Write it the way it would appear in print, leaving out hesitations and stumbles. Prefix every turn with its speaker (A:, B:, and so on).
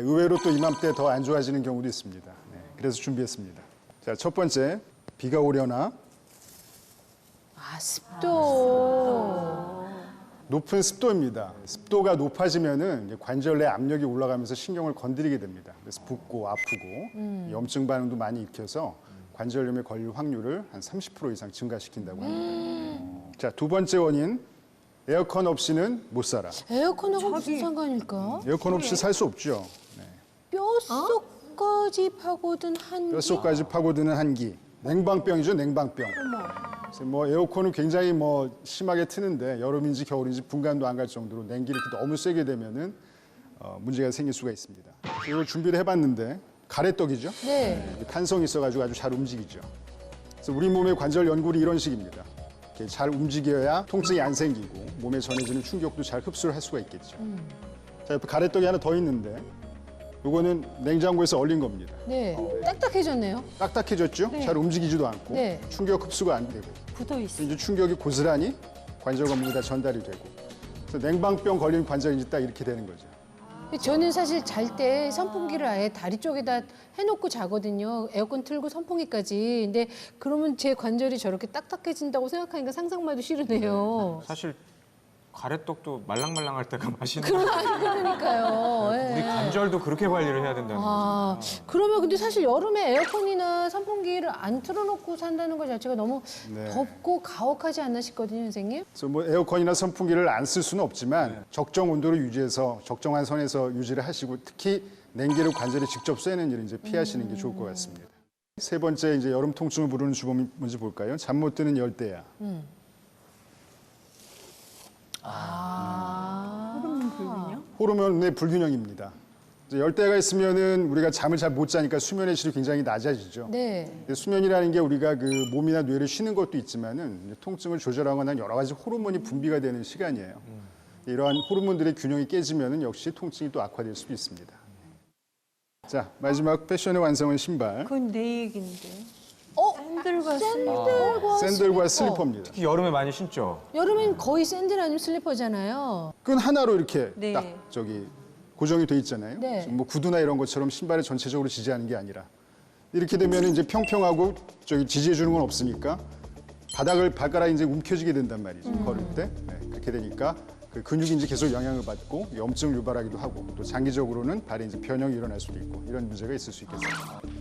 A: 의외로 또 이맘때 더 안 좋아지는 경우도 있습니다. 네, 그래서 준비했습니다. 자, 첫 번째, 비가 오려나?
B: 아, 습도.
A: 높은 습도입니다. 습도가 높아지면은 이제 관절 내 압력이 올라가면서 신경을 건드리게 됩니다. 그래서 붓고 아프고 염증 반응도 많이 일으켜서 관절염에 걸릴 확률을 한 30% 이상 증가시킨다고 합니다. 자, 두 번째 원인, 에어컨 없이는 못 살아.
B: 에어컨하고 무슨 상관일까?
A: 에어컨 없이 살 수 없죠. 네.
B: 뼛속까지 파고든 한기.
A: 뼛속까지 파고드는 한기. 냉방병이죠, 냉방병. 그래서 뭐 에어컨은 굉장히 뭐 심하게 트는데 여름인지 겨울인지 분간도 안 갈 정도로 냉기를 이렇게 너무 세게 되면은 문제가 생길 수가 있습니다. 이걸 준비를 해봤는데 가래떡이죠.
B: 네.
A: 탄성이 있어가지고 아주 잘 움직이죠. 그래서 우리 몸의 관절 연골이 이런 식입니다. 이렇게 잘 움직여야 통증이 안 생기고 몸에 전해지는 충격도 잘 흡수를 할 수가 있겠죠. 자, 옆에 가래떡이 하나 더 있는데 이거는 냉장고에서 얼린 겁니다.
B: 네. 딱딱해졌네요.
A: 딱딱해졌죠? 잘 움직이지도 않고
B: 네.
A: 충격 흡수가 안 되고
C: 붙어 있어.
A: 이제 충격이 고스란히 관절 건물에 다 전달이 되고 그래서 냉방병 걸린 관절인지 딱 이렇게 되는 거죠.
B: 저는 사실 잘 때 선풍기를 아예 다리 쪽에다 해놓고 자거든요. 에어컨 틀고 선풍기까지. 근데 그러면 제 관절이 저렇게 딱딱해진다고 생각하니까 상상만 해도 싫으네요.
D: 사실 가래떡도 말랑말랑할 때가 맛있는
B: 그러니까요. 예.
D: 우리 관절도 그렇게 관리를 해야 된다는
B: 아,
D: 거죠.
B: 그러면 근데 사실 여름에 에어컨이나 선풍기를 안 틀어놓고 산다는 것 자체가 너무
A: 네.
B: 덥고 가혹하지 않나 싶거든요, 선생님.
A: 그래서 뭐 에어컨이나 선풍기를 안 쓸 수는 없지만 적정 온도를 유지해서 적정한 선에서 유지를 하시고 특히 냉기를 관절에 직접 쐬는 일은 이제 피하시는 게 좋을 것 같습니다. 세 번째 이제 여름 통증을 부르는 주범이 뭔지 볼까요? 잠 못 드는 열대야. 호르몬의 불균형입니다. 이제 열대가 있으면은 우리가 잠을 잘 못 자니까 수면의 질이 굉장히 낮아지죠.
B: 네.
A: 근데 수면이라는 게 우리가 그 몸이나 뇌를 쉬는 것도 있지만은 이제 통증을 조절하거나 여러 가지 호르몬이 분비가 되는 시간이에요. 이러한 호르몬들의 균형이 깨지면은 역시 통증이 또 악화될 수도 있습니다. 자, 마지막 패션의 완성은 신발.
C: 그건 내 얘긴데.
B: 샌들과
A: 샌들과 슬리퍼입니다.
D: 특히 여름에 많이 신죠.
B: 여름엔 거의 샌들 아니면 슬리퍼잖아요.
A: 끈 하나로 이렇게
C: 네.
A: 딱 저기 고정이 돼 있잖아요.
B: 네.
A: 뭐 구두나 이런 것처럼 신발을 전체적으로 지지하는 게 아니라 이렇게 되면 이제 평평하고 저기 지지해 주는 건 없으니까 바닥을 발가락이 이제 움켜쥐게 된단 말이죠. 걸을 때. 네, 그렇게 되니까 그 근육이 이제 계속 영향을 받고 염증을 유발하기도 하고 또 장기적으로는 발에 이제 변형이 일어날 수도 있고 이런 문제가 있을 수 있겠습니다.